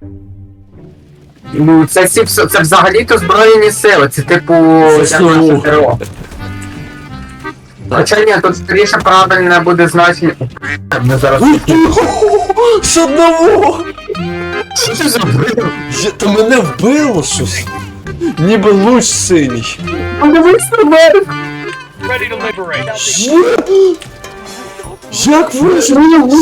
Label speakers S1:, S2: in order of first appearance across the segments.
S1: Ну, це взагалі-то збройні сили, це типу
S2: Це
S1: як наше
S2: СНУ.
S1: ТРО. Хоча ні, тут скоріше правильне буде значення. Ми зараз.
S2: З одного!
S1: Що ти зробив?
S2: Та мене вбило щось. Ніби луч синій.
S1: Подивись на мене!
S2: Як вийшло?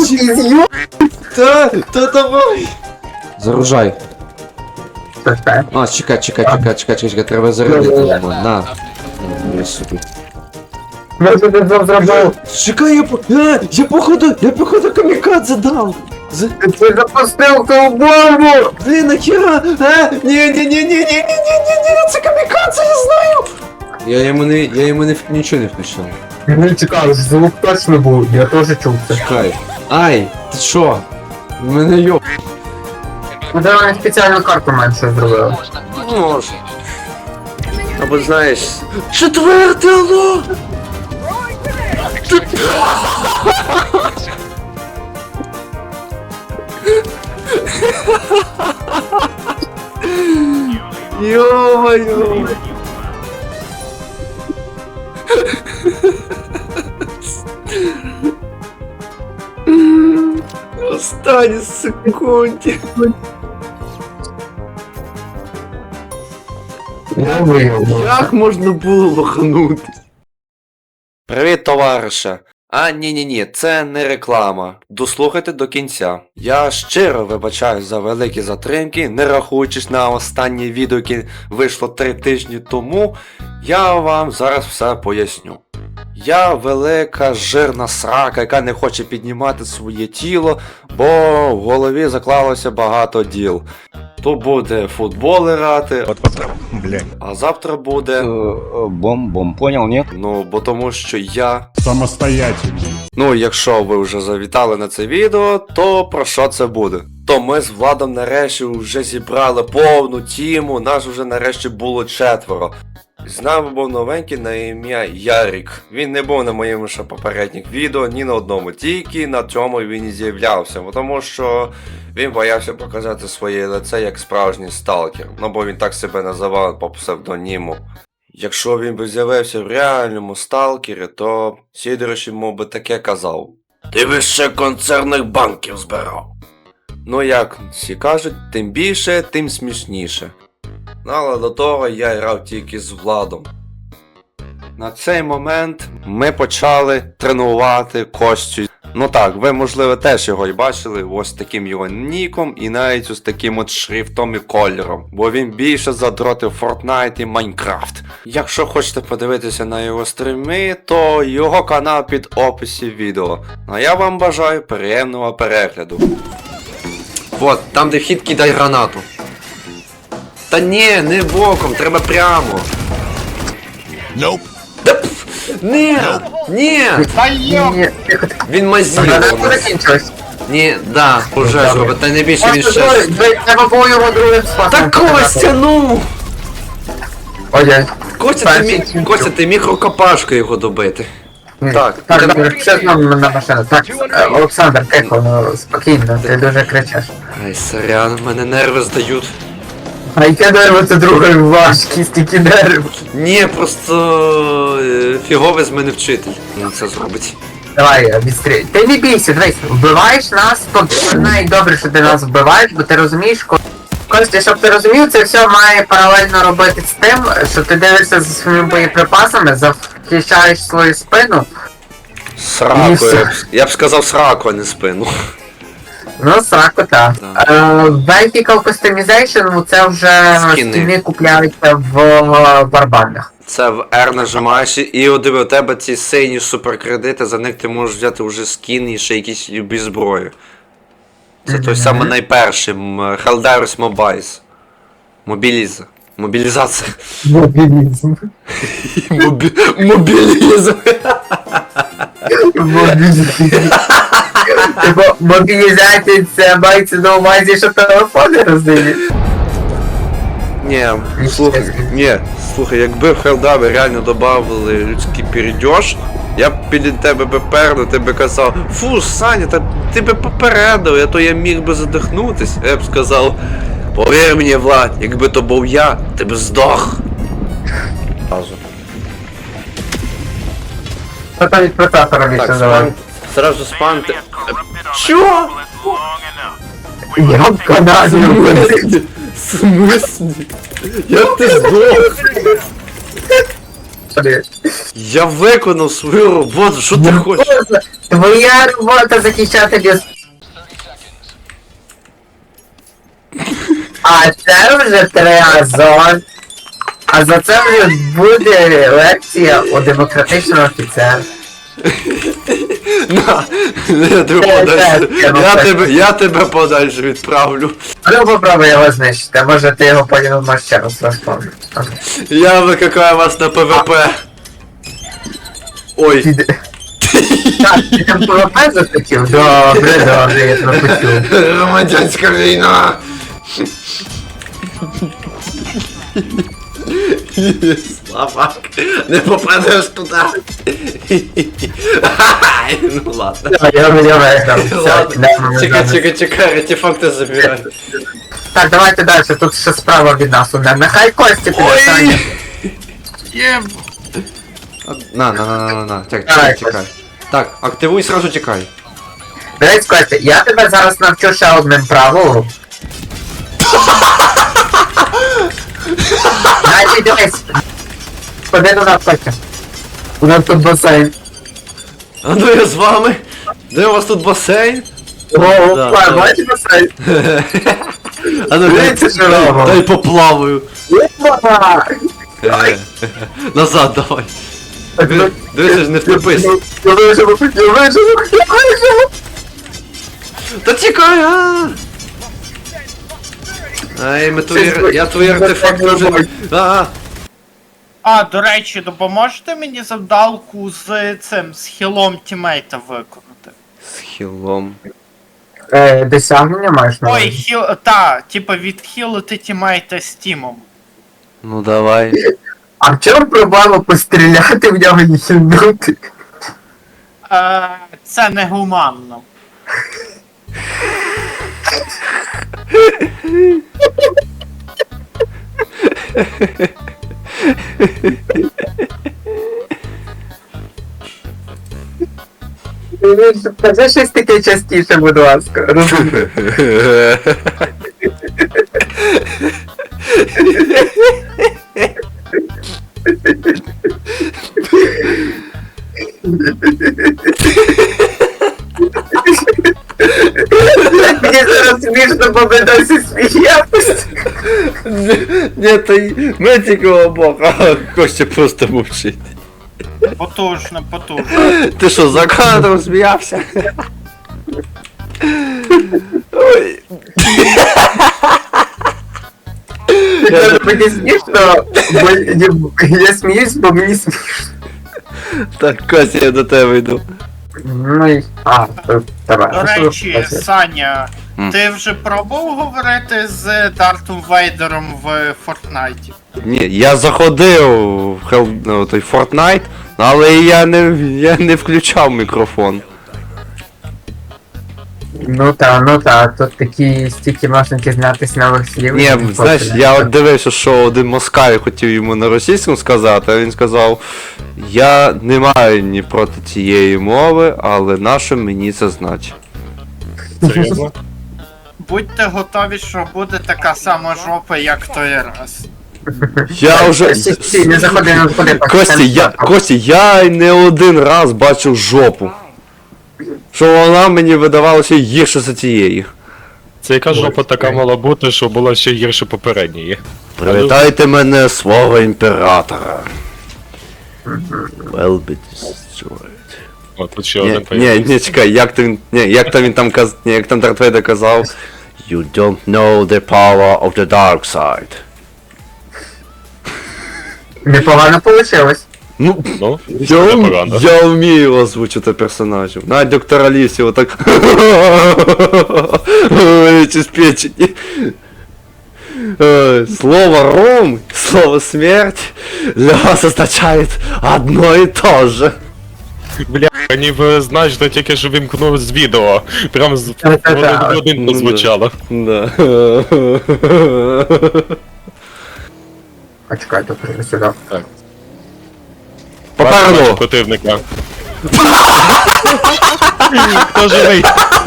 S2: Та давай! Заружай. А, чекай, треба зарядити йому. На. Я собі.
S1: Ми це зробив.
S2: Чекай, я походу камікадзе дав.
S1: Ти запустив ту бомбу!
S2: Блін, нахера? Ні, це камікадзе, я знаю! Я йому нічого не включав.
S1: Мені цікаво, звук точно був, я теж чув це.
S2: Чекай. Ай, ти що? Мене йоп.
S1: Ну де вони спеціальну карту менше зробили.
S2: Може. Або знаєш. Четверте, алло! Ё-моё! Останні секунді. Як можна було лоханути? Привіт, товариша. Ні, це не реклама. Дослухайте до кінця. Я щиро вибачаю за великі затримки, не рахуючись на останнє відео, яке вийшло 3 тижні тому, я вам зараз все поясню. Я велика жирна срака, яка не хоче піднімати своє тіло, бо в голові заклалося багато діл. То буде футбол грати, а завтра буде...
S3: Бом, понял, нет?
S2: Ну, бо тому що я...
S4: Самостоятельно.
S2: Ну, якщо ви вже завітали на це відео, то про що це буде? То ми з Владом нарешті вже зібрали повну тіму, нас вже нарешті було 4. З нами був новенький на ім'я Ярік. Він не був на моєму ще попередніх відео, ні на одному, тільки на цьому він і з'являвся, тому що він боявся показати своє лице як справжній сталкер, ну бо він так себе називав по псевдоніму. Якщо він би з'явився в реальному сталкері, то Сідорович йому би таке казав: "Ти би ще концерних банків збирав". Ну як всі кажуть, тим більше, тим смішніше. Ну, але до того я грав тільки з Владом. На цей момент ми почали тренувати Костю. Ну так, ви можливо теж його й бачили, ось таким його ніком і навіть ось таким от шрифтом і кольором. Бо він більше задротив Fortnite і Minecraft. Якщо хочете подивитися на його стріми, то його канал під описі відео. А я вам бажаю приємного перегляду. От, там де вхід кидай гранату. Та ні, не боком, треба прямо.
S4: Nope.
S2: Да пф, ні, ні. Він мазів.
S1: Граната закінчилась.
S2: Ні, да, уже зробить, та не більше він ще.
S1: Треба було його другим спасом.
S2: Та Костя, ну!
S1: Ой,
S2: Костя, ти міг рукопашкою його добити. Так,
S1: добре, все знову на машину. Так, Олександр, тихо, ну спокійно, ти дуже кричиш.
S2: Ай, сорян, мене нерви здають.
S1: А яке дерево це друге важкість, які дерево?
S2: Ні, просто фіговий з мене вчитель. Він це зробить.
S1: Давай, відстрій. Ти не бійся, дивись, вбиваєш нас, навіть добре, що ти нас вбиваєш, бо ти розумієш, Костя, щоб ти розумів, це все має паралельно робити з тим, що ти дивишся за своїми боєприпасами, захищаєш свою спину.
S2: Сраку, я б сказав сраку, а не спину.
S1: Ну, сраку, так. Vertical Customization, ну це вже скіни купляються в барбандах.
S2: Це в R нажимаєш і у тебе ці сині суперкредити, за них ти можеш взяти вже скін і ще якісь любі зброї. Це той самий найперший, Helldivers Mobiles. Мобілізація.
S1: Мобілізм.
S2: Мобілізм.
S1: Типу, мобілізація це мається на увазі, що телефони роздають.
S2: Слухай, якби в Helldive реально добавили людський перейдеж, Я б біля тебе би перну, ти би казав, фу, Саня, та ти би попередив, а то я міг би задихнутись. Я б сказав, повір мені, Влад, якби то був я, ти б здох. Разу.
S1: Що там від процесора більше
S2: Так,
S1: давай?
S2: сразу спанти. Чо?
S1: Я в Канаді.
S2: В смысле? Як ти здох? Я виконав свою роботу, що ти хочеш?
S1: Твоя робота захищати без... А це вже триазон. А за це вже буде лекція у демократичного офіцера.
S2: На, я тебе подальше. Я тебе подальше відправлю.
S1: Ну попробуй його знищити, може ти його потім можеш ще раз розповнити.
S2: Я викликаю вас на ПВП. Ой.
S1: Так, ти там ПВП захотів? Добре, я тебе почув.
S2: Громадянська війна. Слабак, не попадеш туди. Ну ладно.
S1: Я виграв. Все, йдемо.
S2: Чекай, артефакти забирай.
S1: Так, давайте далі, тут ще справа від нас одне. Нехай Костя піде, Саня.
S2: На,
S1: Давай,
S2: чекай. Так, активуй, сразу тікай.
S1: Дивись, Костя, я тебе зараз навчу ще одним правилом. Значить, дивись. Ходи до нас, Костя. У нас тут басейн.
S2: А ну я з вами. Де у вас тут басейн?
S1: О,
S2: Да.
S1: бачиш басейн?
S2: А ну
S1: Дивіться, що робимо.
S2: дай поплаваю.
S1: Опа!
S2: Назад давай. Дивися ж, не втопись.
S1: Я виживу.
S2: Та тікай, а! Ай, я твої артефакти вже...
S5: А, до речі, допоможете мені завдалку з цим, з хілом тімейта виконати?
S2: З хілом.
S1: Досягнення маєш на
S5: Ой,
S1: увазі?
S5: хіл, та, типа відхилити тімейта з тімом.
S2: Ну давай.
S1: А в чому проблема постріляти в нього і хильнути?
S5: Це негуманно.
S1: Скажи щось таке частіше, будь ласка. Мені зараз смішно, бо ми досі сміємось.
S2: Ні, та й ми тільки обох, а Костя просто мовчить.
S5: Потужно, потужно.
S2: Ти що, за кадром сміявся? Ой.
S1: Мені смішно, бо я сміюсь, бо мені смішно.
S2: Так, Костя, я до тебе йду.
S1: Ну і... давай.
S5: До речі, Саня, ти вже пробував говорити з Дартом Вейдером в Фортнайті?
S2: Ні, я заходив в той Fortnite, але я не включав мікрофон.
S1: Ну та, тут такі стільки можна дізнатись нових слів.
S2: Ні, знаєш, я от дивився, що один москаль хотів йому на російському сказати, а він сказав, я не маю ні проти цієї мови, але нащо мені це значить?
S4: Серйозно?
S5: Будьте готові, що буде така сама жопа, як той раз.
S2: Я вже...
S1: Стій, не заходи, не заходи.
S2: Костя, я не один раз бачив жопу. Що вона мені видавалася гірше за тієї.
S6: Це яка жопа така мала бути, що була ще гірше попередньої.
S2: Привітайте мене, свого імператора. Will be destroyed.
S6: О, тут ще один
S2: Ні, чекай, як там Дарт Вейдер казав, You don't know the power of the dark side.
S1: Непогано получилось.
S2: Ну,
S6: Ну, непогано.
S2: я вмію озвучити персонажів. Навіть доктора Лісі отак. Чи спечені. Слово ром, слово смерть для вас означает одно и то же.
S6: Бля, ніби знаєш, що тільки що вимкнув з відео. Прям з
S1: Та-та-та.
S6: один в один прозвучало.
S2: Да.
S1: А чекай, тут вже сюди.
S2: Попереду!
S6: Противника. Хто живий?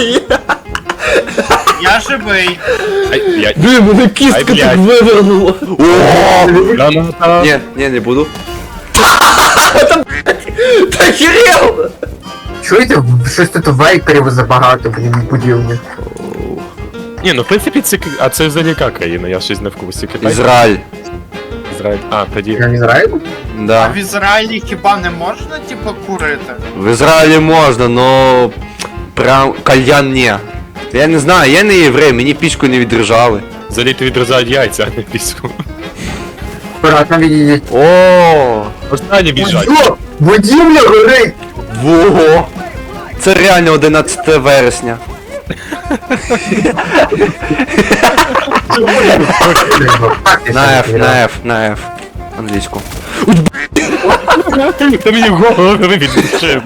S5: Я живий.
S6: Ай, блядь.
S2: Блін, мене кістка
S6: Ай,
S2: тут
S6: блядь.
S2: вивернула. О!
S6: Граната.
S2: Ні, не буду. Та хірел!
S1: Чуєте, щось тут вейперів забагато, блін, будівлі.
S6: Ні, ну в принципі це... А це взагалі яка країна? Я щось не в курсі. Китай?
S2: Ізраїль.
S6: Ізраїль. А, тоді.
S1: Я не Ізраїль?
S5: А
S2: Да.
S5: в Ізраїлі хіба не можна, типу, курити?
S2: В Ізраїлі можна, но прям кальян не. Я не знаю, я не єврей, мені пічку не відрижали.
S6: Взагалі ти відрізають яйця, а не пісню.
S1: Аккуратно відійдіть.
S2: О,
S6: Останні біжать.
S1: О, будівля горить!
S2: во! Це реально 11 вересня. На F. Англійську.
S6: Ти мені голову відбивши.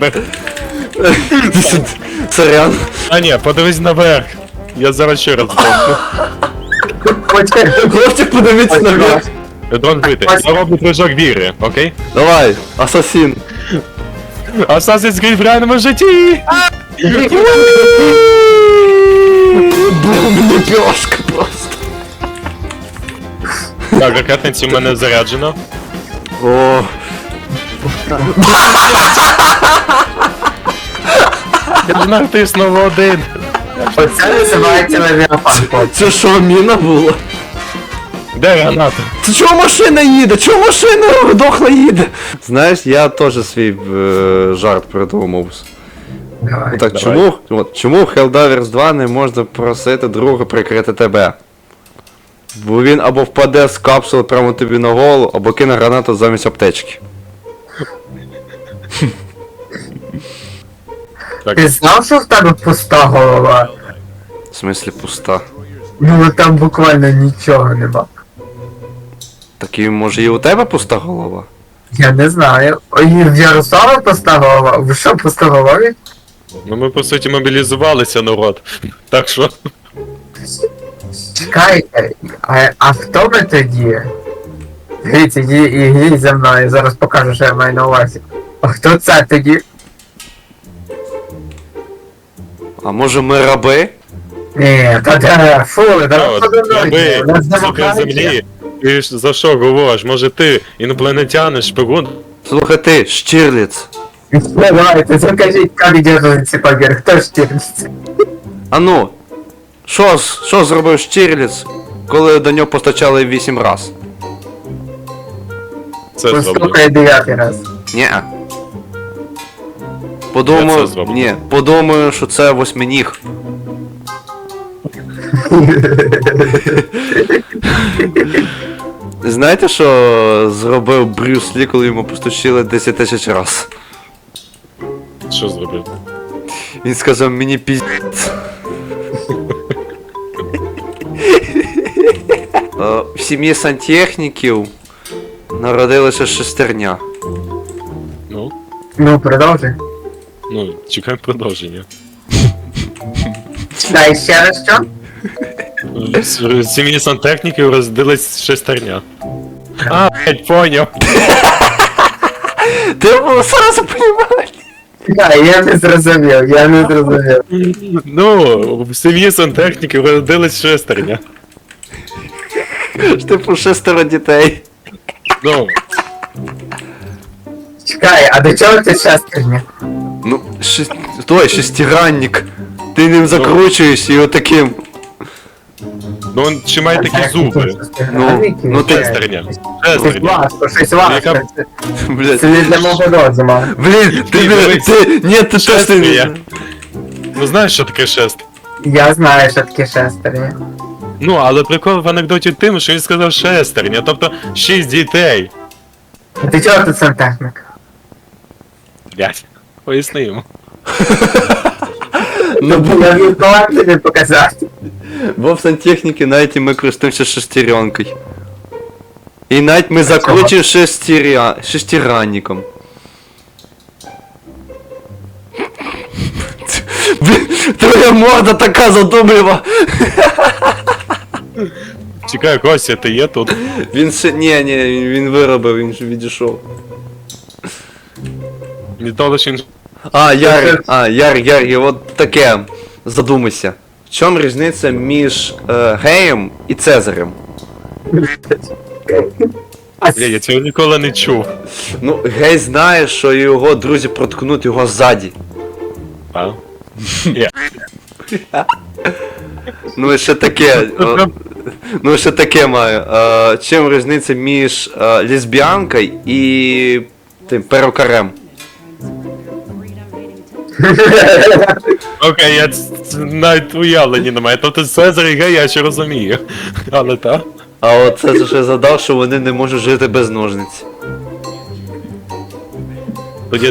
S2: Сорян.
S6: А ні, подивись наверх. Я зараз ще раз здохну.
S1: Почекай,
S2: Хлопчик, подивіться наверх.
S6: Дрон бити. Я роблю прыжок віри, окей?
S2: Давай, асасін.
S6: Assassin's Creed в реальному житті!
S2: Бум, лепешка просто.
S6: Так, ракетниці в мене заряджено.
S2: О,
S6: Я ж натиснув один.
S1: оце називається левіафан, хлопці.
S2: це що, міна була?
S6: Де граната?
S2: Це чого машина їде? Чого машина дохла їде? Знаєш, я теж свій жарт придумав.
S1: Давай.
S2: Ну так,
S6: Давай.
S2: чому в Helldivers 2 не можна просити друга прикрити тебе? Бо він або впаде з капсули прямо тобі на голову, або кине гранату замість аптечки.
S1: Ти знав, що в тебе пуста голова?
S2: В смислі пуста.
S1: Ну там буквально нічого нема.
S2: Так і може і у тебе пуста голова?
S1: Я не знаю. Ой, в Ярослава пуста голова? Ви що, пуста голові?
S6: Ну ми по суті мобілізувалися, народ. Так що.
S1: Чекайте, а хто ми тоді? Дивіться, йдіть за мною, зараз покажу, що я маю на увазі. А хто це тоді?
S2: А може ми раби?
S1: Ні, та де, фу, зараз
S6: Раби,
S1: у нас
S6: сука
S1: демократія.
S6: землі. Ти ж за що говориш? Може ти інопланетянин, шпигун?
S2: Слухай ти, Штірліц.
S1: Давайте, закажіть, як держиться побір, хто штіриться?
S2: А ну, що зробив Штірліц, коли до нього постачали 8 раз?
S6: Це зроблю.
S1: Послухай 9 раз.
S2: Ні.
S6: Я
S2: Подумаю,
S6: це зроблю.
S2: ні, подумаю, що це восьминіг. Знаєте, що зробив Брюс Лі, коли йому постучили 10 тисяч раз?
S6: Що зробив?
S2: Він сказав, мені піздець. В сім'ї сантехніків народилася шестерня.
S6: Ну,
S1: Ну, продовжуй.
S6: чекаємо продовження.
S1: Читай ще раз що?
S6: В сім'ї сантехніків розділись шестерня. А, блять, поняв.
S2: Ти сразу понимаєш?
S1: Так, я не зрозумів.
S6: Ну, в сім'ї сантехніків родились шестерня.
S2: Типу 6 дітей.
S6: Ну,
S1: Чекай, а до чого ти шестерня?
S2: Ну, шестигранник. Ти ним закручуєш і отаким.
S6: ну він чи має такі зуби.
S2: Ну, ти-
S6: Шестерня.
S1: Щось
S6: Шестерня.
S1: важко, щось важко.
S6: Яка-
S2: Блядь.
S1: Це не для мого розуму.
S2: Блін, ні, ти точно
S6: Шестерня.
S2: не...
S6: Ну знаєш, що таке шест?
S1: Я знаю, що таке шестерня.
S6: Ну, але прикол в анекдоті тим, що він сказав шестерня, тобто 6 дітей.
S1: А ти чого тут сантехник?
S6: Блять, поясни йому.
S2: Ну,
S1: Я віртуально тобі показати.
S2: бо в сантехніки навіть і ми користуємося шестеренкою. І навіть ми закручуємо шестиранником. Твоя морда така задумлива.
S6: Чекай, Костя, ти є тут?
S2: Він ще... Ні, він виробив, він же відійшов.
S6: Не то лише він...
S2: Ярик, от таке. Задумайся. В чому різниця між геєм і Цезарем?
S6: Бля, я цього ніколи не чув.
S2: Ну, гей знає, що його друзі проткнуть його ззаді.
S6: А?
S2: Ну і ще таке. Ну і ще таке маю. Чим різниця між лесбіянкою і тим перукарем?
S6: Окей, я навіть уявлення не маю. Тобто Цезар і Гей я ще розумію. Але так?
S2: А от це ще задав, що вони не можуть жити без ножниць.
S6: Тоді,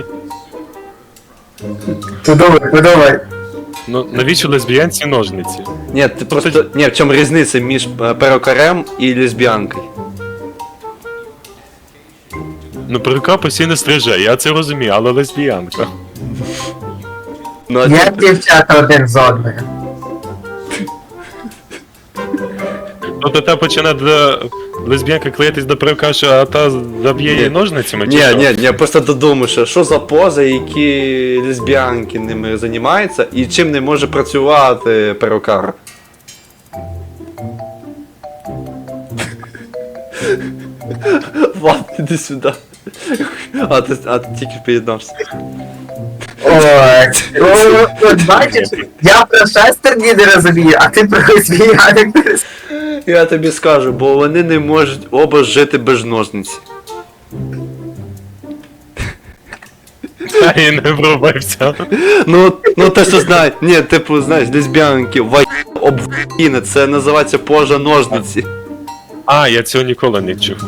S1: Подумай.
S6: ну навіщо лесбіянці ножниці?
S2: Ні, ти просто. Ні, в чому різниця між перукарем і лесбіянкою?
S6: Ну перука постійно стриже, я це розумію, але лесбіянка.
S2: Ну,
S1: Як дівчата один з одною.
S6: Тобто та починає лесбіянка клеїтись до перука, а та заб'є її ножницями? чи що?
S2: Ні, я просто додумався, що за пози, які лесбіянки ними займаються, і чим не може працювати перукар. Влад, іди сюди. А ти тільки під'єднався.
S1: Ой, от бачиш, я про шестерні не розумію, а ти про лесбіянок не розумієш.
S2: Я тобі скажу, бо вони не можуть оба жити без ножниці.
S6: Та і не врубився.
S2: Ну те, що знають, ні, типу, знаєш, лесбіянки, обвіна, це називається поза ножниці.
S6: А, я цього ніколи не чув.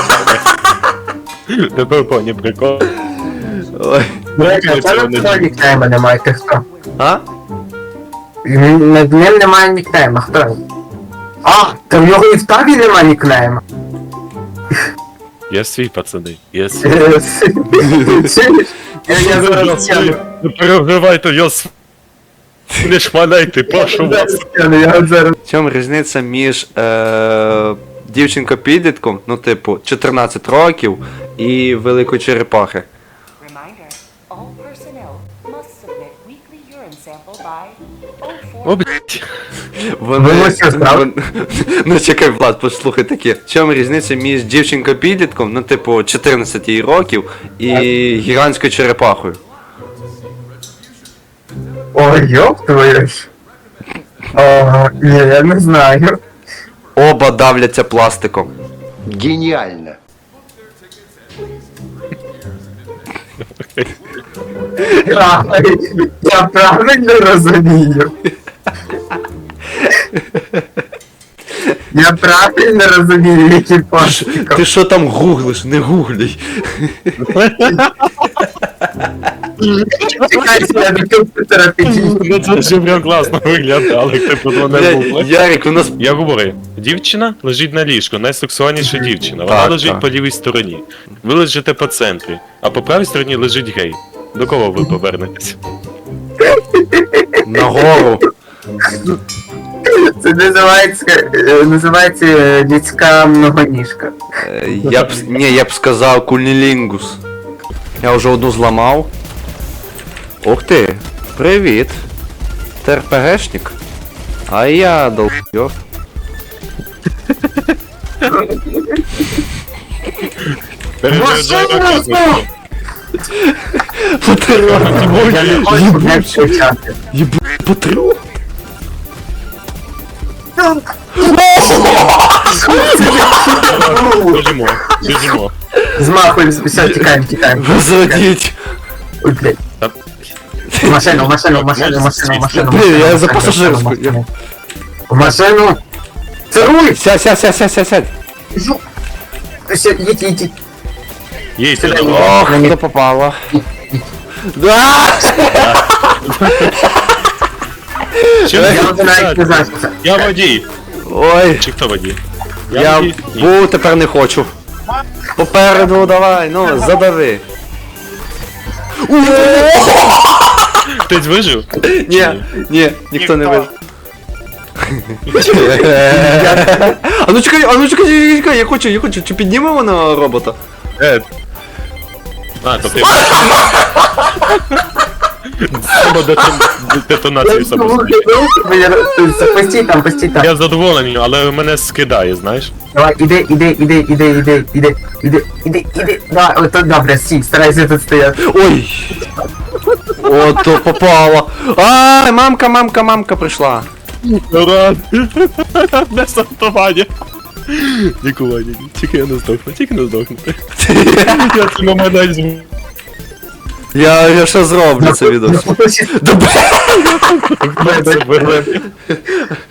S6: Тепер поні прикол.
S2: Ой.
S1: Блядь, а це на нікнейма немає, ти хто?
S2: А?
S1: Над ним немає нікнейма, хто він? А, то в нього і в табі немає нікнейма.
S6: Я свій, пацани, я свій.
S1: Чуєш? Я зараз сяду.
S6: Не переживайте, я свій. Не шмаляйте, прошу вас.
S1: Я зараз.
S2: В чому різниця між дівчинкою-підлітком, ну типу, 14 років, і великої черепахи?
S7: Reminder, all personnel must submit weekly urine sample by
S6: О, блядь.
S2: Вони...
S1: що, справді?
S2: Ну чекай, Влад, послухай таке. В чому різниця між дівчинкою-підлітком, ну типу, 14 років, і гігантською черепахою?
S1: Ой, ёб твою ж. О, ні, я не знаю.
S2: Оба давляться пластиком.
S3: Гениально.
S1: Я правильно розумію. Я правильно розумію, які пошуки.
S2: Ти що там гуглиш? Не гуглій.
S1: Чекайте, я до комп'ютера підійду.
S6: Ну це ще прям класно виглядало, як ти про мене був.
S2: Ярик, у нас...
S6: Я говорю, дівчина лежить на ліжку, найсексуальніша дівчина. Вона
S2: Так,
S6: лежить
S2: так.
S6: по лівій стороні. Ви лежите по центрі, а по правій стороні лежить гей. До кого ви повернетесь?
S2: Нагору.
S1: Це називається людська многоніжка.
S2: Я б сказав кунілінгус. Я вже одну зламав. Ух ти, привіт. Ти РПГшник? А я долбьёв.
S1: Я не хочу не включати.
S2: Патріот.
S6: Біжимо, біжимо.
S1: Змахуй, все, тікаємо.
S2: Возродіть.
S1: Ой, блядь. В машину.
S2: Блін, я за пасажирську.
S1: В машину. Це руль!
S2: Сядь.
S1: Їдь.
S6: Їдьте,
S2: Ох, не попало. Да!
S6: Чим
S1: Я вже навіть не знаю, що це.
S6: Я водій.
S2: Ой,
S6: Чи хто водій?
S2: я
S6: водій. Ні.
S2: був, тепер не хочу. Попереду давай, ну, задави.
S6: Хтось вижив?
S2: Ні, ніхто не вижив. А ну чекай, я хочу, чи піднімемо на робота?
S6: То ти. Треба детонацію самостійно.
S1: Постій там.
S6: Я задоволений, але мене скидає, знаєш?
S1: Давай, іди. Давай, ото добре, стій, старайся тут стояти.
S2: Ой! Ото попало. Ай, мамка прийшла.
S6: Ура! Не сортування. Лікування. Тільки я не здохну. Я цей момент навіть зможу.
S2: Я ще зроблю це відео.